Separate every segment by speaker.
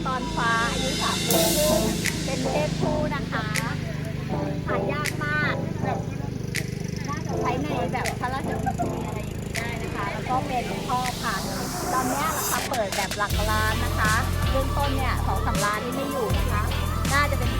Speaker 1: ตอนฟ้าอายุ3 เดือนครึ่งเป็นเพศผู้นะคะหายากมากแบบน่าจะใช้ในแบบพระราชพิธีอะไรอย่างนี้ได้นะคะแล้วก็เป็นพ่อพันธุ์ตอนนี้ราคาเปิดแบบหลักล้านนะคะเริ่มต้นเนี่ย2-3 ล้านนี่ไม่อยู่นะคะน่าจะเป็น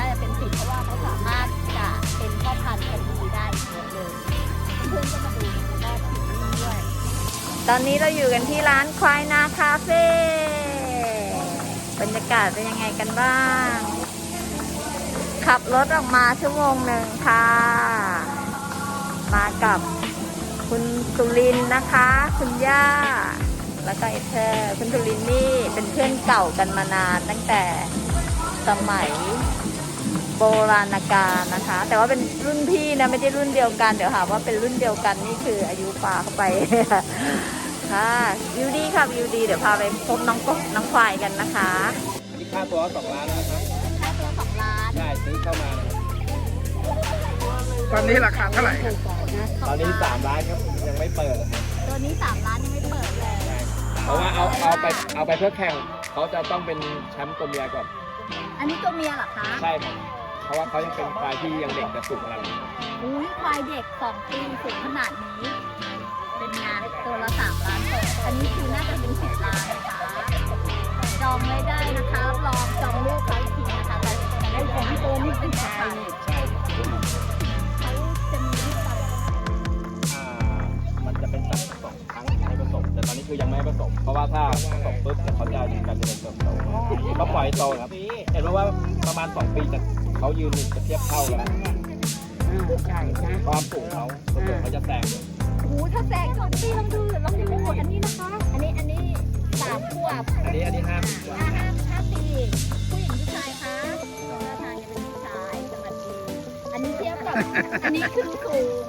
Speaker 1: 10เพราะว่าเขาสามารถจะเป็นพ่อพันธุ์กันดีได้เยอะเลยเพื่อนก็มาดูได้ที่นี่ด้วย ตอนนี้เราอยู่กันที่ร้านควายนาคาเฟ่บรรยากาศเป็นยังไงกันบ้าง ขับรถออกมา1 ชั่วโมงค่ะ มากับคุณสุรินทร์นะคะ คุณย่า แล้วก็เธอคุณสุรินทร์นี่เป็นเพื่อนเก่ากันมานานตั้งแต่สมัยโบราณกาลนะคะ แต่ว่าเป็นรุ่นพี่นะไม่ใช่รุ่นเดียวกันเดี๋ยวหาว่าเป็นรุ่นเดียวกันนี่คืออายุป่าเข้าไป ค่ะวิวดีค่ะวิวดีเดี๋ยวพาไปพบน้องกบน้องควายกันนะคะ
Speaker 2: อันนี้ค่าตัว2 ล้านนะครับ
Speaker 1: ค่าตัว2 ล้าน
Speaker 2: ใช่ซื้อเข้ามานะครับ
Speaker 3: ตอนนี้ราคาเท่าไหร่ครับ
Speaker 2: ตอนนี้3 ล้านครับยังไม่เปิดนะครับ
Speaker 1: ตัวนี้3 ล้านยังไม่เปิดเลย
Speaker 2: ใช่เพราะว่าเอาไปเพื่อแข่งเขาจะต้องเป็นแชมป์ตัวเมียก่อน
Speaker 1: อันนี้ตัวเมียเหรอคะ
Speaker 2: ใช่ครับเพราะว่าเขายังเป็นควายที่ยังเด็กจะสูงขนาดนี้
Speaker 1: อุ้ยควายเด็ก2 ปีสูงขนาดนี้ เป็นงานตัวละ3 ล้านเปิดอันนี้คือน่าจะเป็น10 ล้านนะคะจองไม่ได้นะคะรับรองจองลูกเขาอีกทีนะคะแต่ได้ของตัวนี้เป็นชายนี่
Speaker 2: ใช่
Speaker 1: เขาจะมีลูกตลอด
Speaker 2: มันจะเป็นสัตว์ผสมครั้งให้ผสมแต่ตอนนี้คือยังไม่ให้ผสมเพราะว่าถ้าผสมปุ๊บเดี๋ยวเขาจะยืนการเจริญเติบโตก็ปล่อยโตครับเห็นว่าประมาณ2 ปีเขายืนจะเทียบเท่ากันแล้วความสูงเขาจะแซง
Speaker 1: โอ้โหถ้าแซง2 ปีลองดูอันนี้นะคะ อันนี้3 ขวบ
Speaker 2: อันนี้5 ปีกว่า
Speaker 1: 5 ปีผู้หญิงผู้ชายคะท่าทางจะเป็นผู้ชายสวัสดีอันนี้เทียบกับอันนี้คือสูง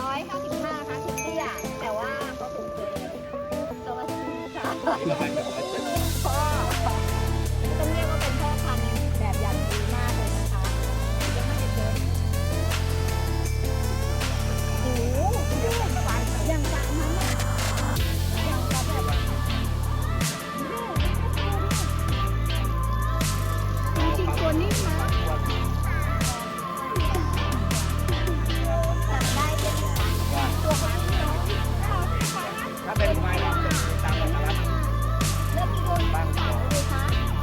Speaker 1: 155ค่ะคือเตี้ยแต่ว่าก็สูงเกินตัวละผู้ชายพ่อต้องเรียกว่าเป็นพ่อพันธุ์แบบอย่างดีมากเลยนะคะยังไม่ได้เจอโอ้โหอย่างสามนั้นอะอย่างแบบจริงๆตัวนี้มาจับได้ใช่ไหมคะตัวเขาเนาะ
Speaker 2: ถ้าเป็นไม้เราจะตามกันนะครับ
Speaker 1: เริ่มมีคนบ้างเลยคะ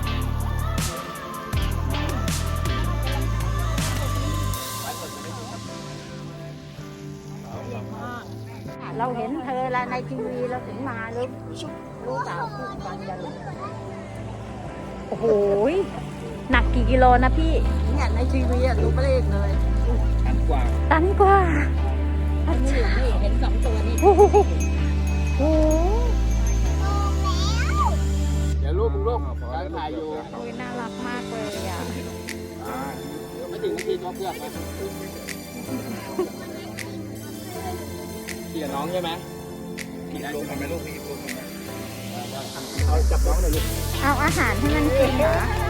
Speaker 1: เราเห็นเธอแล้วในทีวีเราถึงมาลูกสาวคู่กันจะรู้โอ้โหหนักกี่กิโลนะพี่เนี่ยในทีวีอะรู้ไม่เลขเลย
Speaker 2: อันกว่า
Speaker 1: ตันกว่านี่เห็น2 ตัวนี่โอ้โห
Speaker 2: เดี๋ยวลูกการถ่ายอยู่
Speaker 1: โอ้ยน่ารักมากเลยอ่ะ
Speaker 2: ไม่ถึงนาทีก็เพื่อนมาเกี่ยน้องใช่ไหมเกี่ยลูกทำไมลูกพี่ลูกทำไมเอาจับน้องหน่อยลูก
Speaker 1: เอาอาหารให้มันกินเหรอ